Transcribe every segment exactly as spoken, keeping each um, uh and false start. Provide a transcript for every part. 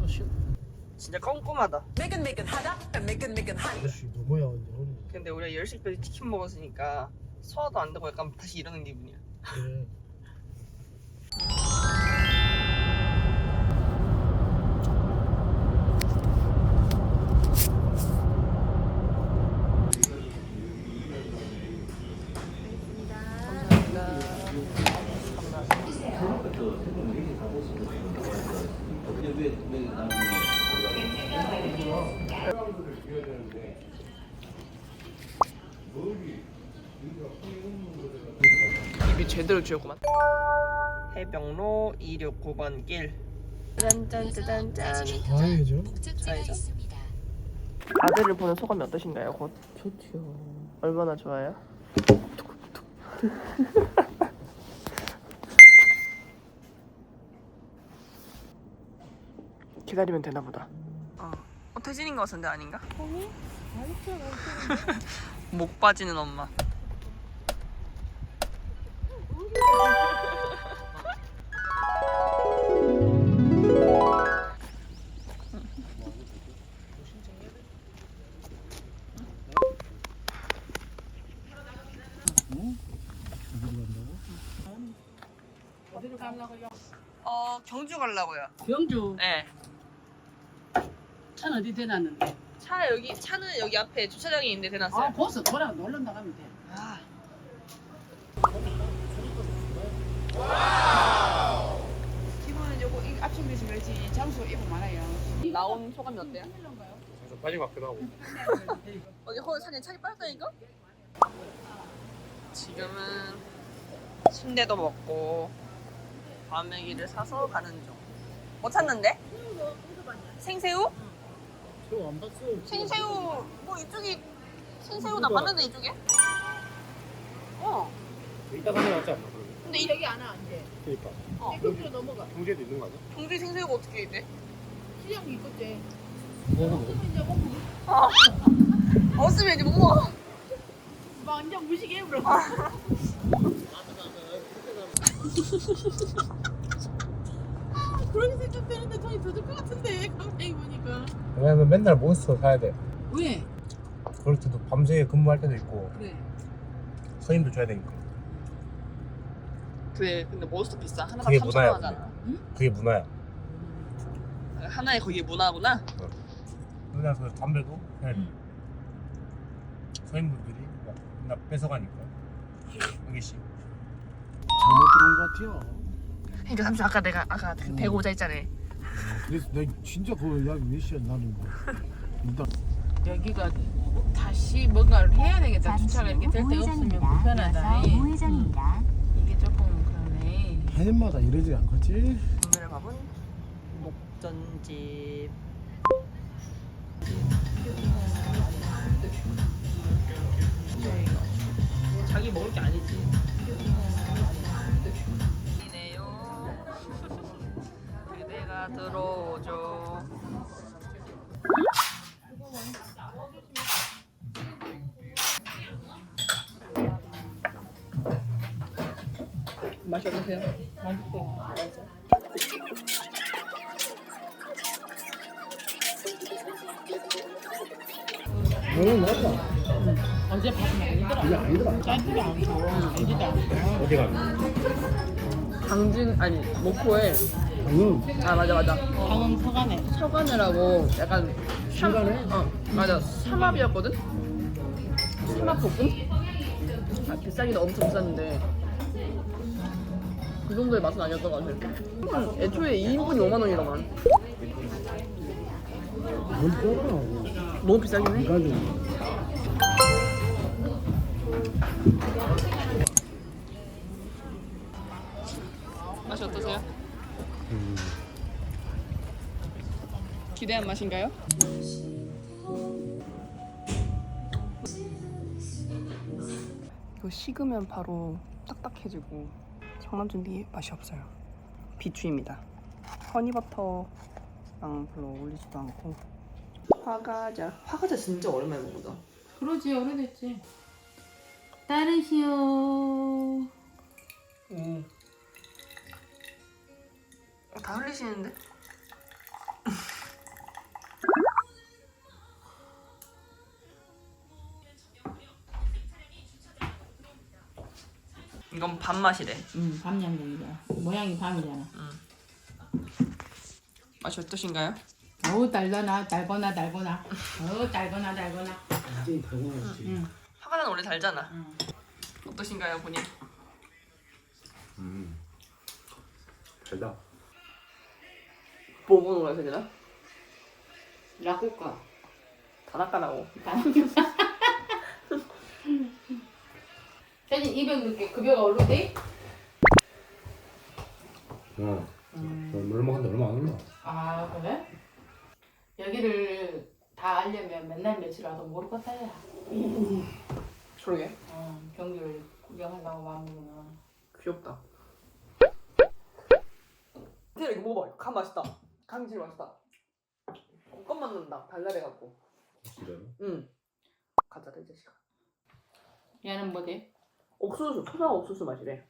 훨씬 진짜 꼼꼼하다. 아저씨 누구야 근데 허리. 근데 우리가 열 시까지 치킨 먹었으니까 소화도 안 되고 약간 다시 일어난 기분이야. 그래. 입이 제대로 쥐었구만. 해병로 이백육십구 번 길. 짠짠짠짠. 좌회죠? 좌회전. 아들을 보는 소감이 어떠신가요? 곧 좋죠. 얼마나 좋아요? 기다리면 되나 보다. 어, 어 태진인 것 같은데 아닌가? 아니, 목 빠지는 엄마. 어디로 간다고? 어 경주 가려고요. 경주 네. 차는 어디 대놨는데? 차 여기 차는 여기 앞에 주차장이 있는데 대놨어요. 아 거기서 돌아 놀러 나가면 돼. 아. 기본은 요거 이 앞쪽에서 그렇지 장소 입고 많아요. 나온 소감이 어때요? 좀 빨리 맞기도 하고. 어디 허 사진 차기 빠졌다니까? 지금은 순대도 먹고 과메기를 사서 가는 중. 뭐 찾는데? 생새우? 새우 안 봤어. 생새우 뭐 이쪽이 생새우 나 봤는데 이쪽에? 어. 이따 가면 낫지 않나 그러면? 근데 이 여기 안 와, 이제. 그러니까. 어. 경주로 넘어가. 경제도 있는 거 아니야? 경주에 생새우가 어떻게 있대? 시장이 있겠지. 먹어 먹어. 이제 먹고 아. 없으면 이제 못 먹어. 완전 무식해 버려. 그렇게 생각되는데 저희 더줄 것 같은데 갑자기 보니까. 왜냐면 맨날 몬스터 사야 돼. 왜? 그럴 때도 밤새 근무할 때도 있고 그래. 선임도 줘야 되니까. 그래 근데 몬스터 비싸. 하나가 그게 삼천 원 문화야, 하잖아. 그게 문화야. 하나에 거기 문화구나. 맨날 그 담배도 해야 돼. 선임분들이 막 맨날 뺏어가니까 한 개씩. 잘못 들어온 것 같아요. 그러니까 삼촌 아까 내가 아까 그 배고자 했잖아. 그래서 내가 진짜 그거 야몇 시야 나는 거. 일단 여기가 다시 뭔가를 해야 되겠다. 주차가 이렇게 될 때 없으면 불편하다. 이. 우회전입니다. 이게 조금 그러네. 해마다 이러지 않겠지? 오늘의 밥은 목전집. 자기 먹을 게 아니지. 이네요. 그대가 들어오죠. 맛이 어떠세요? 맛있어요. 너무 맞다. 어제 밥 많이더라. 이게 아니더라. 짜지도 않고 달지도 않고. 어디 가면? 강진 아니 목포에 응. 아 맞아 맞아 방은 서간에. 서간이라고 약간 삼, 중간에? 어 맞아 삼합이었거든? 삼합볶음? 아, 비싸긴 엄청 비쌌는데 그 정도의 맛은 아니었던 것 같아. 음, 애초에 이 인분이 오만 원이라만. 뭔 떠나. 너무 비싸긴 해. 이가 좀. 맛이 어떠세요? 음. 기대한 맛인가요? 이거 식으면 바로 딱딱해지고 장난준비 맛이 없어요. 비추입니다. 허니버터랑 별로 어울리지도 않고. 화과자. 화과자 진짜 오랜만에 먹는다. 그러지 오래됐지. 따르시오. 오. 다 흘리시는데? 이건 밥맛이래. 응, 밤양갱이야. 모양이 밤이잖아. 맛이 어떠신가요? 어우 달거나 달거나 달거나. 어우 달거나 달거나. 굉장히 달고나지. 응. 화가는 원래 달잖아. 응. 어떠신가요, 본인? 음. 달다. 뭐 먹는 거야, 세진아? 라쿠카. 다나까나고. 사진 이백 넣게 급여가 오르대? 어. 얼마 한다 얼마 안 올라. 아 그래? 여기를 다 알려면 맨날 며칠 와도 모를 것 같아요. 그러게. 어, 경기를 구경한다고 마음먹으면. 귀엽다. 태일 이거 먹어봐. 간 맛있다. 간 제일 맛있다. 껌만 넣는다. 달달해갖고. 진짜요? 응. 가자, 이 자식아. 얘는 뭐지? 옥수수, 토장 옥수수 맛이래.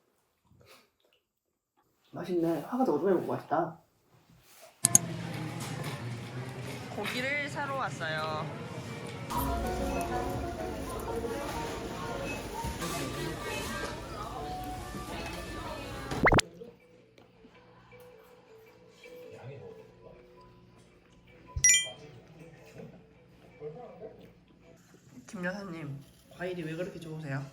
맛있네. 화가 더 오랜만에 먹고 맛있다. 고기를 사러 왔어요. 김 여사님, 과일이 왜 그렇게 좋으세요?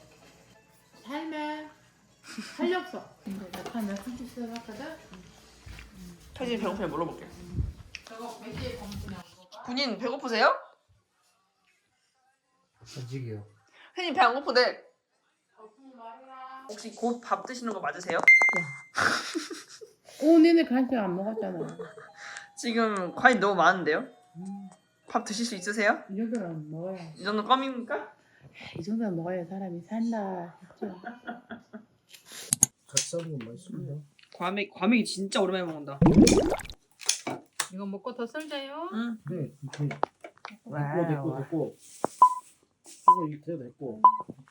삶에 활력소. 근데 나 하면 삼십 쓰거든. 태진 배고프면 물어볼게. 저거 몇 시에 검수냐고. 군인 배고프세요? 아직이요. 태진 배 안 고프대. 거품 말이라. 혹시 곧 밥 드시는 거 맞으세요? 오, 니네 간식 안 먹었잖아. 지금 과일 너무 많은데요? 밥 드실 수 있으세요? 이 정도는 먹어야. 이 정도 껌입니까? 이 정도는 먹어야 사람이 산다 했죠. 같이 싸는 건 맛있습니다. 과메기, 과메기 진짜 오랜만에 먹는다. 이거 먹고 더 썰자요. 응. 네, 이렇게 됐고 와우. 됐고 됐고. 이거 이렇게 됐고.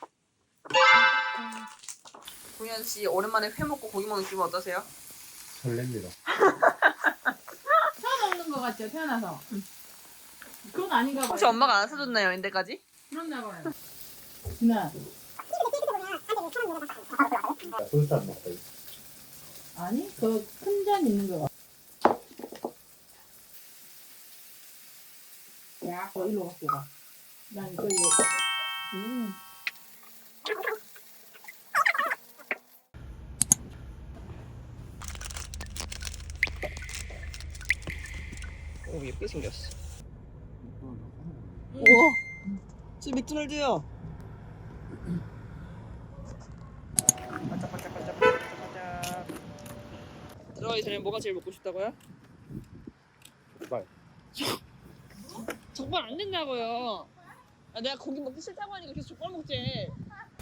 동현 씨 오랜만에 회 먹고 고기 먹는 기분 어떠세요? 설렙니다. 처음 먹는 거 같죠? 태어나서. 그건 아닌가 봐요. 혹시 엄마가 안 사줬나요, 인데까지? 그렇나 봐요. 진아. 솔사 먹다. 아니, 그 큰 잔 있는 거. 야, 어, 일로 갖고 가. 난 이거 이거. 음. 오, 예쁘게 생겼어. 우와, 저 맥도날드야. 반짝반짝반짝 반짝반짝. 들어가기 전에 뭐가 제일 먹고 싶다고요? 족발. 족발 안 된다고요. 아, 내가 고기 먹기 싫다고 하니까 계속 족발 먹지.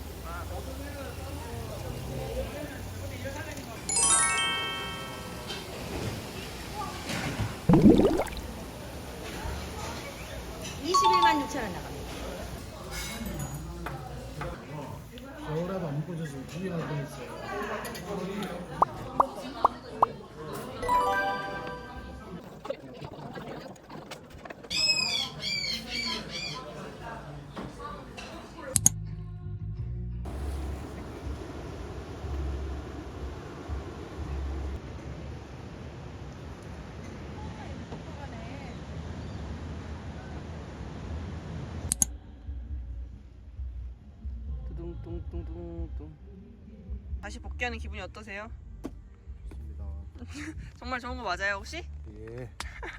이십일만 육천 원 나갑니다. 겨울에도 안 꽂아서 구이나 뻔했어요. 뚱뚱뚱뚱뚱. 다시 복귀하는 기분이 어떠세요? 좋습니다. 정말 좋은 거 맞아요, 혹시? 예.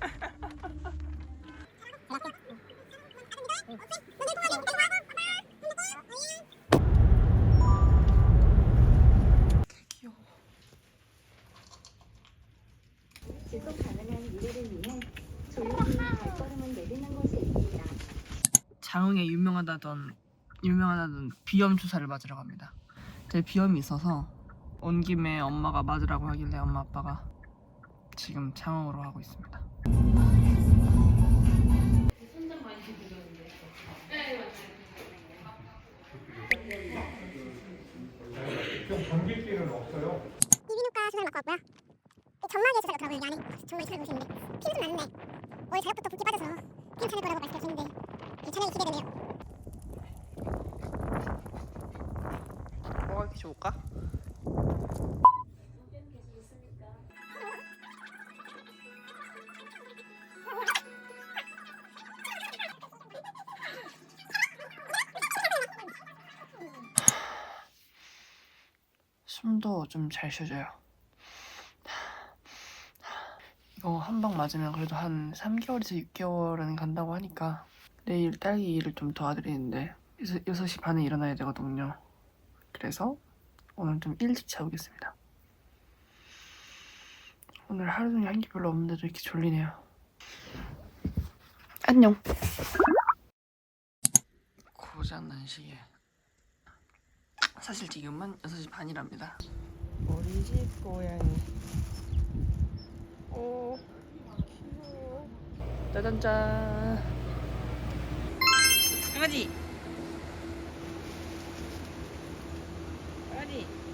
귀여워. 지속 가능한 미래를 위해 조용히 발걸음을 내딛는 곳이 있습니다. 장흥에 유명하다던 유명하다던 비염 주사를 맞으러 갑니다. 제 비염이 있어서 온 김에 엄마가 맞으라고 하길래 엄마 아빠가 지금 장흥으로 가고 있습니다. 전기기는 없어요. 이비인후과 수술을 맞고 왔고요. 점막에 주사가 더라고요. 이 안에 정말 수술을 보시는데 피는 좀 나는데 올 저녁부터 붓기 빠져서 괜찮을 거라고 말씀하셨는데 괜찮아요. 기대되네요. 뭐가 이렇게 마셔볼까? 숨도 좀 잘 쉬어져요. 이거 한 방 맞으면 그래도 한 삼 개월에서 육 개월은 간다고 하니까 내일 딸기 일을 좀 도와드리는데 여섯 시 반에 일어나야 되거든요. 그래서 오늘 좀 일찍 자보겠습니다. 오늘 하루 종일 한 게 별로 없는데도 이렇게 졸리네요. 안녕. 고장난 시계. 사실 지금은 여섯 시 반이랍니다. 우리 집 고양이. 오, 귀여워. 짜잔짠. 강아지. 강아지.